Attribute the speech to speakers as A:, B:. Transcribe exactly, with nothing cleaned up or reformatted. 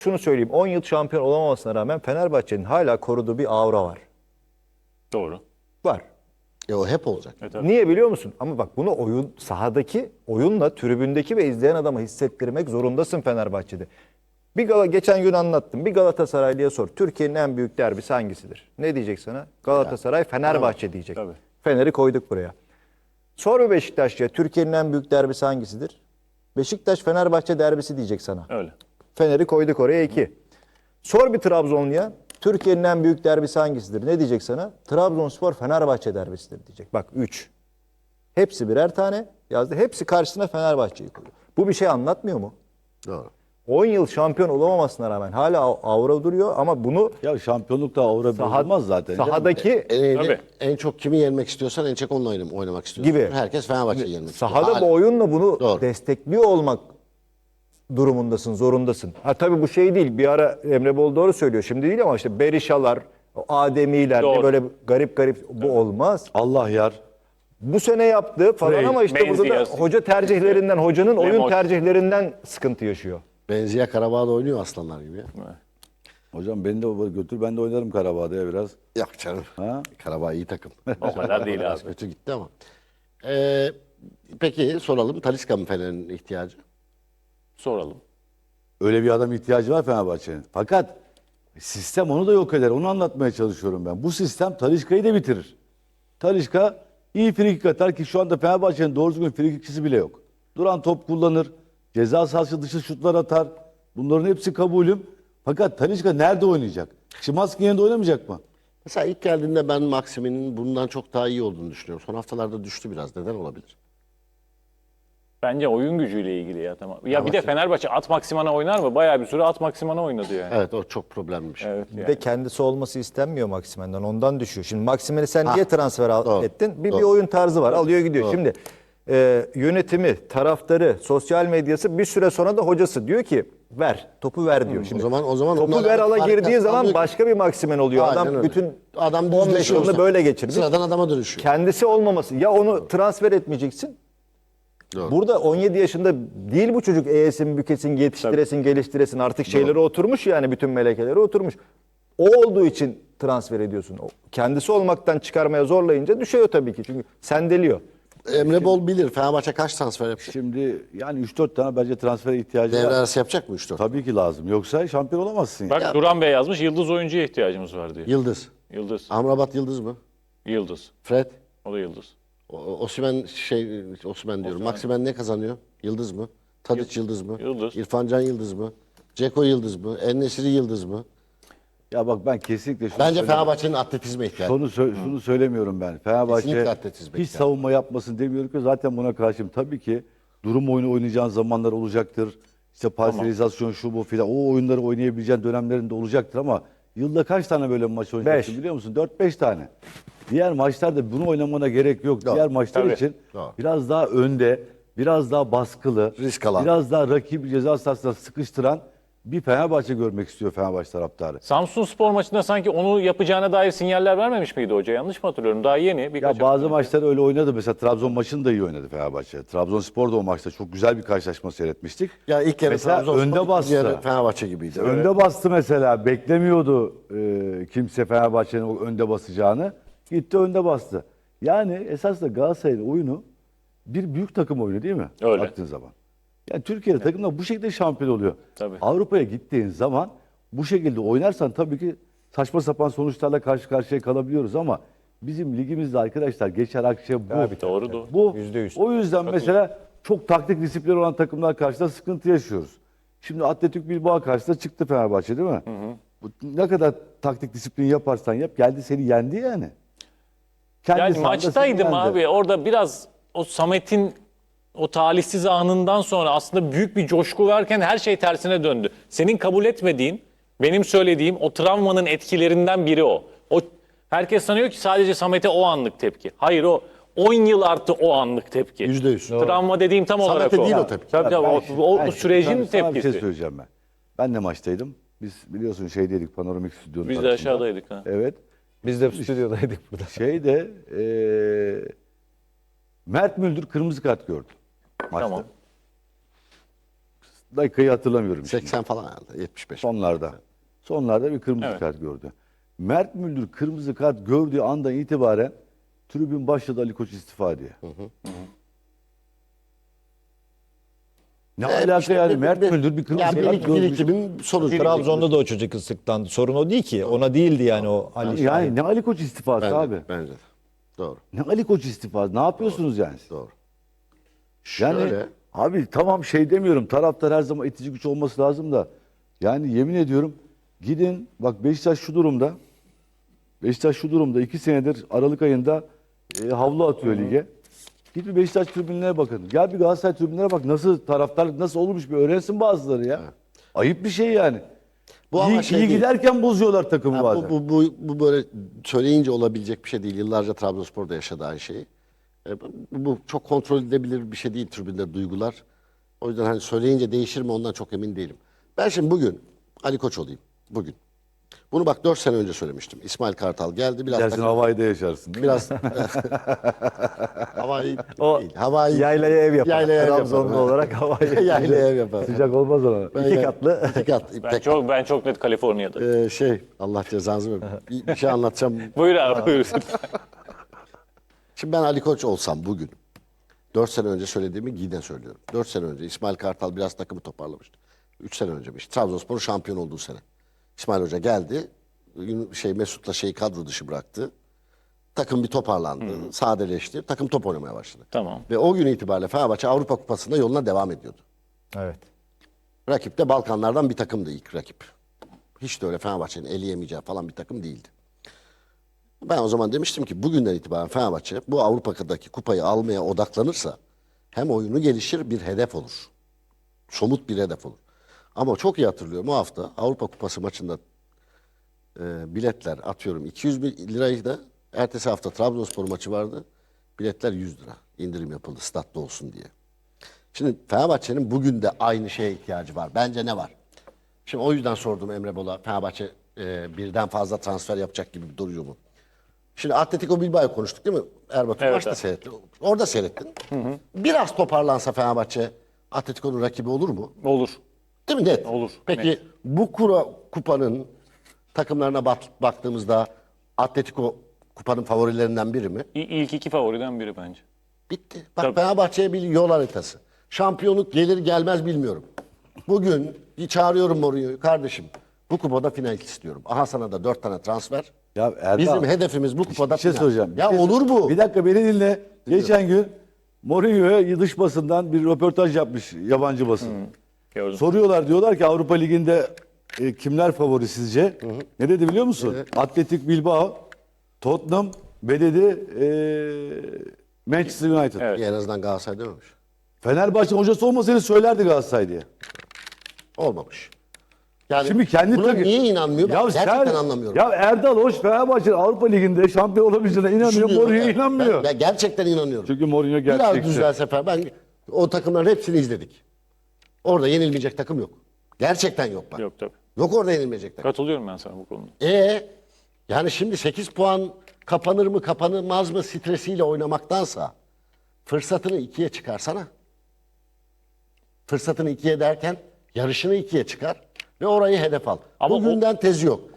A: Şunu söyleyeyim, on yıl şampiyon olamamasına rağmen Fenerbahçe'nin hala koruduğu bir aura var.
B: Doğru.
A: Var.
C: E o hep olacak.
B: Evet, tabii.
A: Niye biliyor musun? Ama bak bunu oyun sahadaki oyunla tribündeki ve izleyen adama hissettirmek zorundasın Fenerbahçe'de. Bir Gala, geçen gün anlattım. Bir Galatasaraylı'ya sor. Türkiye'nin en büyük derbisi hangisidir? Ne diyecek sana? Galatasaray, Fenerbahçe diyecek.
B: Tabii.
A: Fener'i koyduk buraya. Sor bir Beşiktaş'ya Türkiye'nin en büyük derbisi hangisidir? Beşiktaş Fenerbahçe derbisi diyecek sana.
B: Öyle.
A: Fener'i koyduk oraya iki. Sor bir Trabzonluya Türkiye'nin en büyük derbisi hangisidir? Ne diyecek sana? Trabzonspor Fenerbahçe derbisidir diyecek. Bak üç. Hepsi birer tane yazdı. Hepsi karşısına Fenerbahçe'yi koyuyor. Bu bir şey anlatmıyor mu?
C: Doğru.
A: on yıl şampiyon olamamasına rağmen hala avra duruyor ama bunu
D: Ya şampiyonlukta aura
A: saha-
D: olmaz zaten.
A: sahadaki
C: En,
B: Tabii.
C: en çok kimi yenmek istiyorsan en çok onunla oynam- oynamak istiyorsun.
A: Gibi.
C: Herkes Fenerbahçe'yi yenmek istiyor.
A: sahada
C: Hala.
A: bu oyunla bunu
C: Doğru.
A: destekliyor olmak durumundasın, zorundasın. Ha tabii bu şey değil. Bir ara Emre Bol doğru söylüyor. Şimdi değil ama işte Berişalar, o Ademiler,
B: Doğru.
A: böyle garip garip bu olmaz.
D: Allah yar.
A: Bu sene yaptı falan
D: Frey,
A: ama işte burada da
B: Menzies.
A: hoca tercihlerinden, hocanın oyun
B: Lemos.
A: tercihlerinden sıkıntı yaşıyor.
C: Benziye Karabağ'da oynuyor aslanlar gibi ya.
D: Hocam beni de götür, ben de oynarım Karabağ'da ya biraz.
C: Yok canım.
D: Ha?
C: Karabağ iyi takım.
B: O kadar değil
C: Biraz
B: abi.
C: kötü gitti ama. Ee, peki soralım. Talisca mı Fener'in ihtiyacı?
B: Soralım.
D: Öyle bir adam ihtiyacı var Fenerbahçe'nin. Fakat sistem onu da yok eder. Onu anlatmaya çalışıyorum ben. Bu sistem Talisca'yı da bitirir. Talisca iyi frikik atar ki şu anda Fenerbahçe'nin doğru düzgün frikikçisi bile yok. Duran top kullanır. Ceza sahası dışı şutlar atar. Bunların hepsi kabulüm. Fakat Talisca nerede oynayacak? Şimanski'nin yanında oynamayacak mı?
C: Mesela ilk geldiğinde ben Maximin'in bundan çok daha iyi olduğunu düşünüyorum. Son haftalarda düştü biraz. Neden olabilir?
B: Bence oyun gücüyle ilgili ya tamam. Ya bir de Fenerbahçe at maksimana oynar mı? Bayağı bir süre at maksimana oynadı yani.
C: Evet o çok problemli bir şey.
B: Evet
A: Bir
B: yani.
A: de kendisi olması istenmiyor Maksimen'den. Ondan düşüyor. Şimdi Maksimen'i sen
C: Ha,
A: niye transfer al-
C: doğru,
A: ettin? Bir, bir
C: doğru.
A: oyun tarzı var. Alıyor gidiyor. Şimdi e, yönetimi, taraftarı, sosyal medyası bir süre sonra da hocası diyor ki ver. Topu ver diyor. Şimdi
C: O zaman o zaman
A: topu
C: onlarla
A: ver ala
C: fark
A: girdiği zaman
C: kalmıyor ki.
A: başka bir Maksimen oluyor.
C: Aynen
A: Adam
C: öyle.
A: bütün
C: Adam
A: on beş
C: düzleşiyor
A: yılını
C: işte.
A: böyle geçirmiş.
C: Sıradan adama dönüşüyor.
A: Kendisi olmaması. Ya onu transfer etmeyeceksin.
C: Doğru.
A: Burada on yedi yaşında değil bu çocuk eğesin, bükesin, yetiştiresin, geliştiresin. Artık şeyleri oturmuş yani bütün melekeleri oturmuş. O olduğu için transfer ediyorsun. O kendisi olmaktan çıkarmaya zorlayınca düşüyor tabii ki. Çünkü sendeliyor.
C: Emre Bol bilir. Fenerbahçe kaç transfer yapacak?
D: Şimdi yani üç dört tane bence transfere ihtiyacı
C: Devre
D: var.
C: arası yapacak mı üç dört?
D: Tabii ki lazım. Yoksa şampiyon olamazsın.
B: Bak
D: Yani.
B: Duran Bey yazmış yıldız oyuncuya ihtiyacımız var diyor.
C: Yıldız.
B: Yıldız.
C: Amrabat Yıldız mı?
B: Yıldız.
C: Fred?
B: O da yıldız.
C: O- Osimhen şey Osimhen diyorum. Maximen ne kazanıyor? Yıldız mı? Tadiç Yıldız mı?
B: Yıldız.
C: İrfan Can Yıldız mı? Ceko Yıldız mı? En-Nesyri Yıldız mı?
D: Ya bak ben kesinlikle şunu
C: Bence
D: söyleyeyim.
C: Fenerbahçe'nin atletizme ihtiyacı.
D: Şunu, sö- şunu söylemiyorum ben. Fenerbahçe
C: Kesinlikle atletizm
D: hiç
C: bekler.
D: savunma yapmasın demiyorum ki zaten buna karşıyım. Tabii ki durum oyunu oynayacağın zamanlar olacaktır. İşte parselizasyon şu bu filan o oyunları oynayabileceğin dönemlerinde olacaktır ama yılda kaç tane böyle maç oynayacaksın
A: Beş.
D: biliyor musun? dört beş tane. Diğer maçlarda bunu oynamana gerek yok.
C: Doğru.
D: Diğer maçlar
B: Tabii.
D: için
C: Doğru.
D: biraz daha önde, biraz daha baskılı,
C: Risk alan.
D: biraz daha rakibi ceza sahasına sıkıştıran bir Fenerbahçe görmek istiyor Fenerbahçe taraftarı.
B: Samsun Spor maçında sanki onu yapacağına dair sinyaller vermemiş miydi hoca? Yanlış mı hatırlıyorum? Daha yeni. Birkaç
D: Ya bazı
B: hafta önce.
D: maçlar öyle oynadı. Mesela Trabzon maçını da iyi oynadı Fenerbahçe. Trabzonspor da o maçta çok güzel bir karşılaşma seyretmiştik.
C: Ya ilk yarı
D: Mesela
C: Trabzonspor,
D: önde
C: ikinci
D: bastı.
C: yarı Fenerbahçe gibiydi.
D: Önde bastı mesela. Beklemiyordu e, kimse Fenerbahçe'nin o önde basacağını. Gitti önde bastı. Yani esasında Galatasaray'ın oyunu bir büyük takım oyunu değil mi?
B: Öyle.
D: Baktığın zaman. Yani Türkiye'de takımlar bu şekilde şampiyon oluyor.
B: Tabii.
D: Avrupa'ya gittiğin zaman bu şekilde oynarsan tabii ki saçma sapan sonuçlarla karşı karşıya kalabiliyoruz ama bizim ligimizde arkadaşlar geçer akçe bu.
A: Tabii,
B: Doğru doğru.
D: Bu
A: Yüzde yüz.
D: o yüzden mesela çok taktik disiplin olan takımlar karşısında sıkıntı yaşıyoruz. Şimdi Atletik Bilbao karşısında çıktı Fenerbahçe değil mi? Bu ne kadar taktik disiplin yaparsan yap geldi seni yendi yani. Kendi
B: Yani
D: sahanda seni
B: maçtaydım
D: yendi.
B: abi. Orada biraz o Samet'in o talihsiz anından sonra aslında büyük bir coşku varken her şey tersine döndü. Senin kabul etmediğin, benim söylediğim o travmanın etkilerinden biri o. O herkes sanıyor ki sadece Samet'e o anlık tepki. Hayır o on yıl artı o anlık tepki.
C: Yüzde yüz.
B: Travma dediğim tam olarak
C: Samet'e
B: o.
C: değil o tepki.
B: Tabii tabii
D: Ben
B: o,
D: şimdi-
B: o,
D: ben
B: o
D: şimdi
B: sürecin
D: sana- sana bir
B: tepkisi.
D: şey söyleyeceğim ben. Ben de maçtaydım. Biz biliyorsun şeydeydik panoramik stüdyonun
B: Biz de
D: tarafında.
B: aşağıdaydık. Ha.
D: Evet.
A: Biz de stüdyodaydık burada.
D: Şeyde eee Mert Müldür kırmızı kart gördü maçta.
B: Tamam.
D: dakikayı hatırlamıyorum. şimdi.
C: seksen falan herhalde. yetmiş beş.
D: Sonlarda. Sonlarda bir kırmızı
B: Evet.
D: kart gördü. Mert Müldür kırmızı kart gördüğü andan itibaren tribün başladı Ali Koç istifa diye. Ne
C: Evet,
D: alaka
C: işte
D: yani?
C: bir-
D: Mert
C: bir-
D: Müldür bir kırmızı
C: Ya
D: kart
C: birik,
D: görmüş.
C: birikimin sonucu.
A: Trabzon'da da o çocuk ıslıktan. Sorun o değil ki. Ona değildi yani o Ali
D: Yani
A: Şahin.
D: ne Ali Koç istifası
C: Bence,
D: abi?
C: bence de. Doğru.
D: Ne Ali Koç istifası? Ne yapıyorsunuz yani? siz?
C: Doğru.
D: Yani
C: Şöyle.
D: abi tamam şey demiyorum. Taraftar her zaman itici güç olması lazım da. Yani yemin ediyorum gidin bak Beşiktaş şu durumda. Beşiktaş şu durumda iki senedir Aralık ayında e, havlu atıyor lige. Git bir Beşiktaş tribünlerine bakın. Gel bir Galatasaray tribünlerine bak. Nasıl taraftarlık nasıl olmuş bir öğrensin bazıları ya. Ayıp bir şey yani.
C: Bu
D: iyi,
C: ama şey
D: iyi
C: değil.
D: giderken bozuyorlar takımı
C: Ha,
D: bazen.
C: bu, bu, bu, bu böyle söyleyince olabilecek bir şey değil. Yıllarca Trabzonspor'da yaşadı aynı şeyi. E, bu, bu çok kontrol edilebilir bir şey değil tribünde duygular. O yüzden hani söyleyince değişir mi ondan çok emin değilim. Ben şimdi bugün Ali Koç olayım. Bugün. Bunu bak dört sene önce söylemiştim. İsmail Kartal geldi. Biraz
D: Dersin
C: takım-
D: Hawaii'de yaşarsın. değil mi?
C: Biraz Havai
A: O
C: değil. Havai
A: yaylaya ev yapar.
C: Yaylaya ev
A: Trabzonlu
C: yapar.
A: olarak havaya.
C: yaylaya ev yapar.
D: Sıcak olmaz ona.
A: İki katlı.
C: İki kat.
B: Ben
C: Pek,
B: çok ben çok net Kaliforniya'da.
C: e, şey Allah cezanızı versin. Bir, bir şey anlatacağım.
B: Buyur abi buyur.
C: Şimdi ben Ali Koç olsam bugün dört sene önce söylediğimi yine söylüyorum. dört sene önce İsmail Kartal biraz takımı toparlamıştı. üç sene önce işte Trabzonspor'un şampiyon olduğu sene. İsmail Hoca geldi. Gün- Şey Mesut'la şeyi kadro dışı bıraktı. Takım bir toparlandı. Sadeleşti. Takım top oynamaya başladı.
B: Tamam.
C: Ve o gün itibariyle Fenerbahçe Avrupa Kupası'nda yoluna devam ediyordu.
A: Evet.
C: Rakip de Balkanlardan bir takımdı ilk rakip. Hiç de öyle Fenerbahçe'nin eleyemeyeceği falan bir takım değildi. Ben o zaman demiştim ki bugünden itibaren Fenerbahçe bu Avrupa'daki kupayı almaya odaklanırsa hem oyunu gelişir bir hedef olur. Somut bir hedef olur. Ama çok iyi hatırlıyorum o hafta Avrupa Kupası maçında e, biletler atıyorum iki yüz bin lirayı da ertesi hafta Trabzonspor maçı vardı. Biletler yüz lira indirim yapıldı statta olsun diye. Şimdi Fenerbahçe'nin bugün de aynı şeye ihtiyacı var. Bence ne var? Şimdi o yüzden sordum Emre Bol'a. Fenerbahçe e, birden fazla transfer yapacak gibi duruyor mu? Şimdi Atletico Bilbao'yu konuştuk değil mi? Erbatur
B: Evet,
C: maçta
B: evet.
C: seyrettin. Orada seyrettin. Biraz toparlansa Fenerbahçe Atletico'nun rakibi olur mu?
B: Olur.
C: Değil mi? Net.
B: Olur,
C: Peki
B: net.
C: bu kura, kupanın takımlarına bak- baktığımızda Atletico kupanın favorilerinden biri mi?
B: İ- İlk iki favoriden biri bence.
C: Bitti. Bak
B: Tabii.
C: Fenerbahçe'ye bir yol haritası. Şampiyonluk gelir gelmez bilmiyorum. Bugün bir çağırıyorum Mourinho'yu. Kardeşim bu kupada final istiyorum. Aha sana da dört tane transfer.
D: Ya Erdal,
C: Bizim hedefimiz bu kupada
D: bir şey
C: final.
D: soracağım. Bir
C: Ya
D: şey sor-
C: olur bu.
D: Bir dakika beni dinle. Geçen gün Mourinho'ya dış basından bir röportaj yapmış yabancı basın.
B: Gördüm.
D: Soruyorlar diyorlar ki Avrupa Ligi'nde e, kimler favori sizce? Ne dedi biliyor musun? Atletik Bilbao, Tottenham ve dedi e, Manchester United.
B: Evet.
C: En azından Galatasaray dememiş.
D: Fenerbahçe hocası olmasaydı söylerdi Galatasaray diye.
C: Olmamış. Yani
D: Şimdi kendi
C: buna
D: takı-
C: niye inanmıyor? Ben gerçekten
D: sen-
C: anlamıyorum.
D: Ya Erdal Hoş Fenerbahçe Avrupa Ligi'nde şampiyon olabileceğine inanıyor.
C: Düşünüyorum.
D: Mourinho
C: Ben-
D: inanmıyor.
C: Ben, ben gerçekten inanıyorum.
D: Çünkü Mourinho
C: Biraz
D: gerçekçi.
C: düzelse falan. Ben o takımların hepsini izledik. Orada yenilmeyecek takım yok. Gerçekten yok bak. Yok,
B: Yok tabii.
C: orada yenilmeyecek takım.
B: Katılıyorum ben sana bu konuda.
C: E yani şimdi sekiz puan kapanır mı kapanmaz mı stresiyle oynamaktansa fırsatını ikiye çıkarsana. Fırsatını ikiye derken yarışını ikiye çıkar ve orayı hedef al.
B: Ama
C: Bugünden tezi yok.